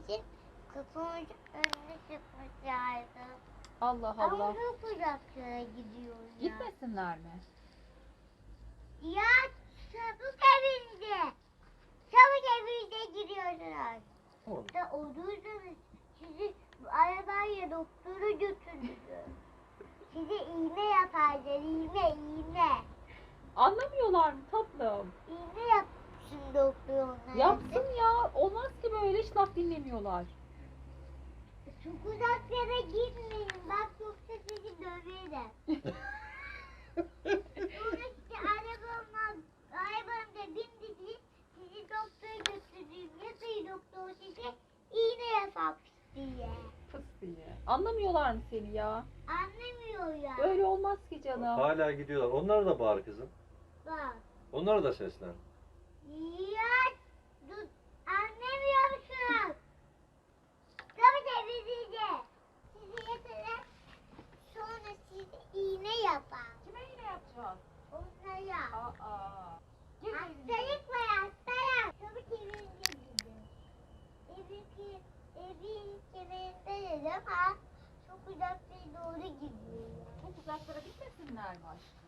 için kapımın önüne çıkmışlardı. Allah Ama Allah. çok uzaklara gidiyoruz ya. Gitmesinler mi? Ya çabuk evinde. Çabuk evinde gidiyorsunuz. Oğlum, Da olursanız sizi arabayla doktora götürürüm. Size iğne yaparlar, iğne. Anlamıyorlar mı tatlım? İğne yapsın doktor onlara. Yapsın ya. Olmaz ki böyle, hiç laf dinlemiyorlar. Çok uzaklara gitmeyin. Bak yoksa sizi döverim. Sonra işte arabamda dimdik sizi doktora götürdüğüm yazıyı doktor size iğne yapmış diye. Fıs diye. Anlamıyorlar mı seni ya? Anlamıyor ya. Böyle olmaz ki canım. hala gidiyorlar. Onlara da bağır kızım. Bak. Onlara da seslen. Ya dur. Anlamıyor musun? Tabii temizleyeceğim. Sizi yatırır. Sonra size iğne yapar. Kime yine yapacağız? Onlara. Aa. Gir evine. Hastalık var hastalık. Tabii temizle gidin. Evin kemerinde dedim ama çok uzaklara doğru gidiyor. Çok uzaklara gitmesinler mi aşkım?